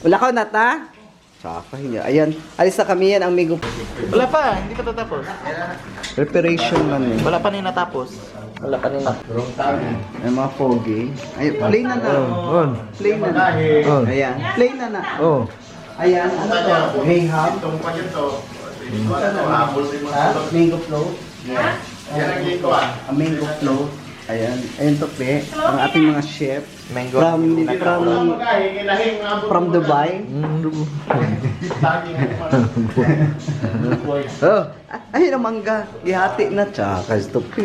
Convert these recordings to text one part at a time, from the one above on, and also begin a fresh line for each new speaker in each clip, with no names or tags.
Wala ka na ta? Tsaka hindi. Ayan. Alis na kami yan ang mango.
Wala pa, hindi pa tatapos.
Preparation man eh.
Wala pa rin natapos. Wala pa rin natapos.
Ay, mga foggy. Ay, play na na.
On.
Play na na.
On.
Ayan. Play na na.
Oh.
Ayan. Ano to? Graham. Ha? Mango float. Mango float. Ayan. Ayan to, pe. Ang ating mga chef.
Mango.
From Dubai.
Oh.
Ay, ang mangga. Gihati na. Tsaka, ito, pe.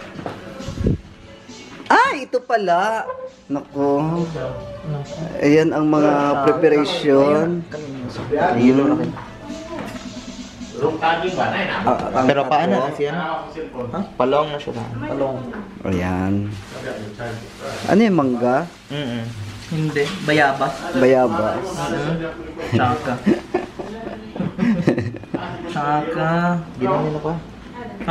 Ay, ito pala. Naku. Ayan ang mga preparation.
Hilo na rin.
Ang
Pero paano
tapo.
na siya? Palong na siya. Palong.
Ayan. Ano yung mangga?
Hindi. Bayabas.
Bayabas.
Tsaka. Tsaka. Ginawa nila pa. Ha?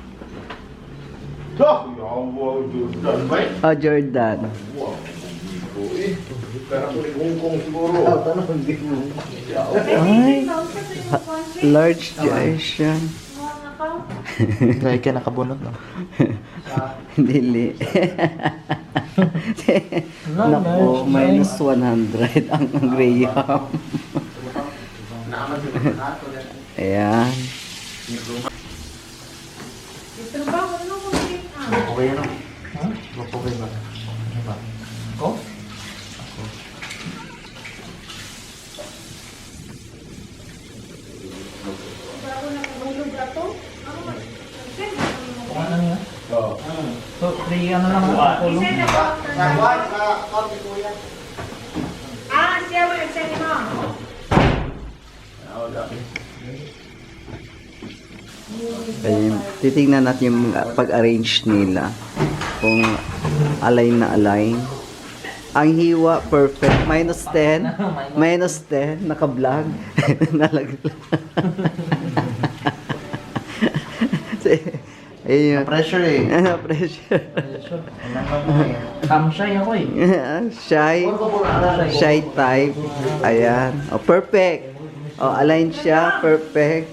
Oh, Jordan. Ay, large Asian.
Dahil ka nakabunot, no?
Dili. Naku, minus 100 ang Graham. Ayan.
Okay na. Ha? Okay ba? Ako? Ano niya? So, 3 ano lang ang kulong?
Siya mo nag-send mo.
Ayun. Titingnan natin yung pag-arrange nila. Kung align na align. Ang hiwa, perfect. Minus 10. Minus 10. Naka-vlog. Nalaglag. Ayun.
Pressure eh.
Pressure.
Shy ako eh.
Shy. Shy type. Ayan. Oh, perfect. Oh, align siya. Perfect.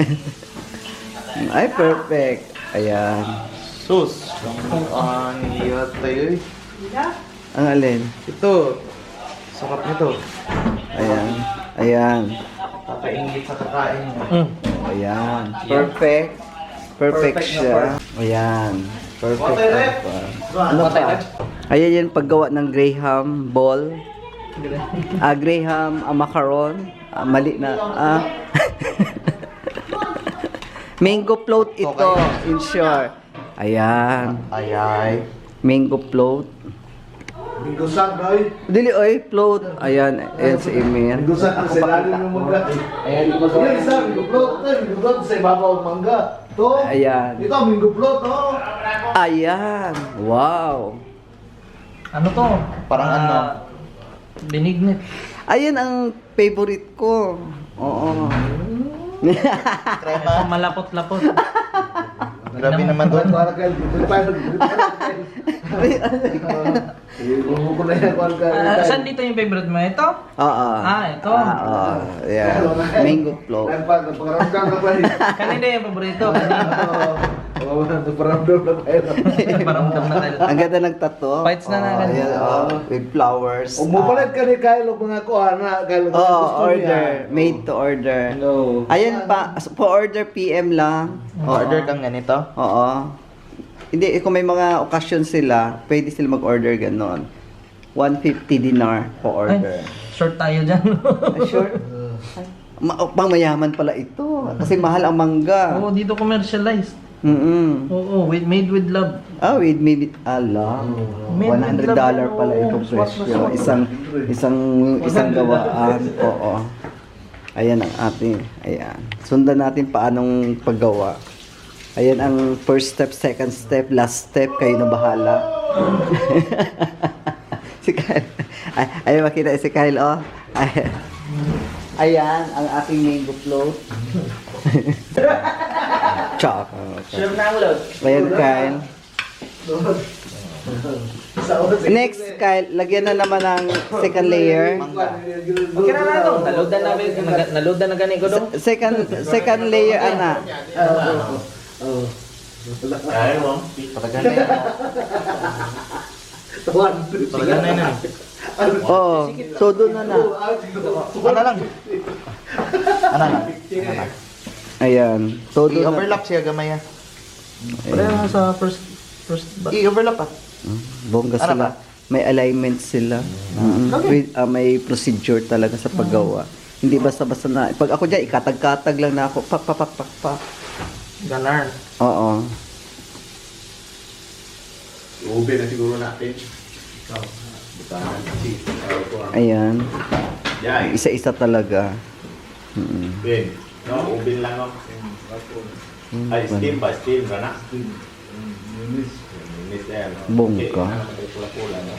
Ay, perfect. Ayan.
Sus. Niyat tayo eh.
Ang alin?
Ito. Sarap nito.
Ayan. Ayan.
Kakaingit sa kakain.
Ayan. Perfect. Perfect siya. Ayan. Perfect. Ano pa? Ayan yan paggawa ng Graham ball. Graham macaron. Mali na. Mango float ito. In short. Ayan.
Ayay.
Mango float.
Binggusan, boy.
Dili oy, float. Ayan. Ayan si Emir.
Binggusan ang selalim ng mangga.
Ayan.
Yung isa, mingguplot sa ibabaw ng mangga. To.
Ayan.
Ito, mingguplot, oh.
Ayan. Wow.
Ano to? Parang ano? Binignit.
Ayan ang favorite ko. Oo.
Crema. Malapot-lapot. Grabe naman doon.
Para kayo, ko na yan,
Saan dito yung favorite mo? Ito?
Oo.
Ito.
Oo. Ayan. Mango float.
Pagkaramdam na pa rin.
Kanina yung paborito. Kanina.
Oo, nagparamdam na tayo.
Paramdam na tayo.
Ang ganda ng tato.
Fights na na.
Ayan, with flowers.
Umupalit ka ni Kyle mga kuha na. Kyle,
Order. Made to order.
No.
Ayan pa. For order PM lang.
Order kang ganito?
Oo. Hindi, kung may mga okasyon sila, pwede sila mag-order ganon. 150 dinar po order.
Short tayo dyan.
Sure. Pangmayaman pala ito. Kasi mahal ang mangga.
Oo, dito commercialized. Oo, made with love.
With maybe ala.
Made with
$100
love.
pala itong presyo. Isang gawaan. Oo. Ayan ang ating. Ayan. Sundan natin paanong paggawa. Ayan ang first step, second step, last step. Kayo na bahala. Si Kyle. Ay, makita si Kyle, oh. Ayan, ang ating mango float. Tsaka.
Sure na ang load.
Ayan, Kyle. Next, Kyle, lagyan na naman ng second layer.
Okay na na dong. Naloadan na gani ko dong.
Second layer, ana.
Kaya mo. Patagan na yan. Patagan na yan.
Oo, todo na na.
Ano lang? Ano lang?
Ayan, todo na.
I-overlap siya gamay ah.
Ayan.
Wala sa first i-overlap ah.
Bongga
Ano
sila.
ba?
May alignment sila. May procedure talaga sa paggawa. Hindi basta-basta na. Pag ako dyan, ikatag-katag lang na ako. Pak, pak, pak, pak, pak.
Ganar.
Oo.
Ube na siguro natin.
Ayan.
Yan.
Isa-isa talaga. Mm.
Ben. No, ubin lang ako. Ay, steam ba? Steam ka na? Minis na yan.
Bongga.
Pula-pula, no?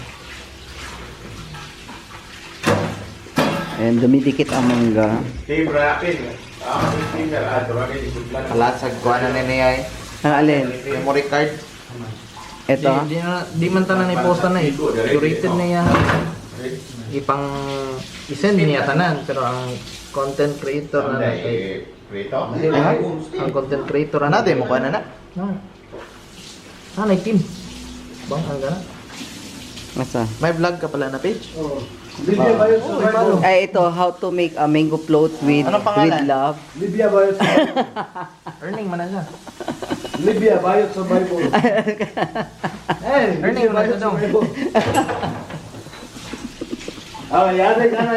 Ayan, dumidikit ang mangga.
Steam rapid. Steam na lahat.
Kalasag ko na niya eh.
Ang alin?
Memory card.
Ito?
Di man tanan ni posta na eh. Curated na yan. Ipang isend niya tanan pero ang content creator na kay
Prito?
ang content creator na mo ko na na. Nay team. Bang ang gana.
Masa?
May vlog ka pala na page?
Libya ba yun?
Ay, ito, how to make a mango float with
Anong pangalan?
with love.
Libya ba yun?
Earning man na siya.
Libya ba yun sa Bible?
Earning man na dong.
Yan ay kana.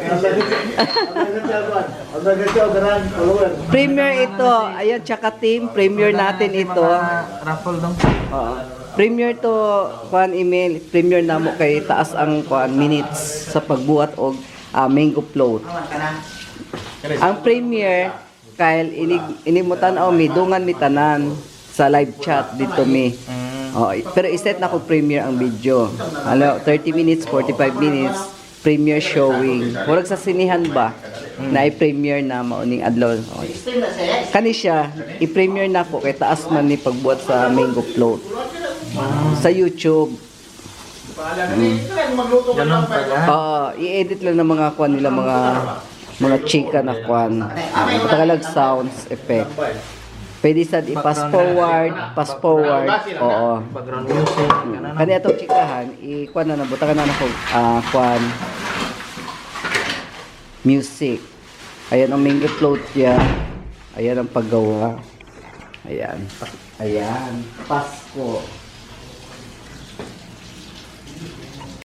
Ang nagkakaw garan, follower.
Premier ito. Ayan, tsaka team. Premier natin ito.
Raffle dong.
Oo. Premier to kuan email. Premier na mo kay taas ang kuan minutes sa pagbuhat og mango float. Ang premier Kyle inimutan o mi dungan mi tanan sa live chat dito mi. Oh, pero iset na ko premier ang video. Ano, 30 minutes, 45 minutes premier showing. Murag sa sinihan ba na i-premiere na mauning adlaw. Oh. Kani siya, i-premiere na ko kay taas man ni pagbuhat sa mango float. Sa YouTube.
Ganun pala.
I-edit lang ng mga kwan nila mga chika na kwan. Patagalag sounds effect. Pwede sa i-pass forward. Oo.
Background music. Ganun.
Kani atong chikahan, i-kwan na butakan na nako kwan music. Ayan ang mango float niya. Ayan ang paggawa. Ayan. Ayan. Pasko.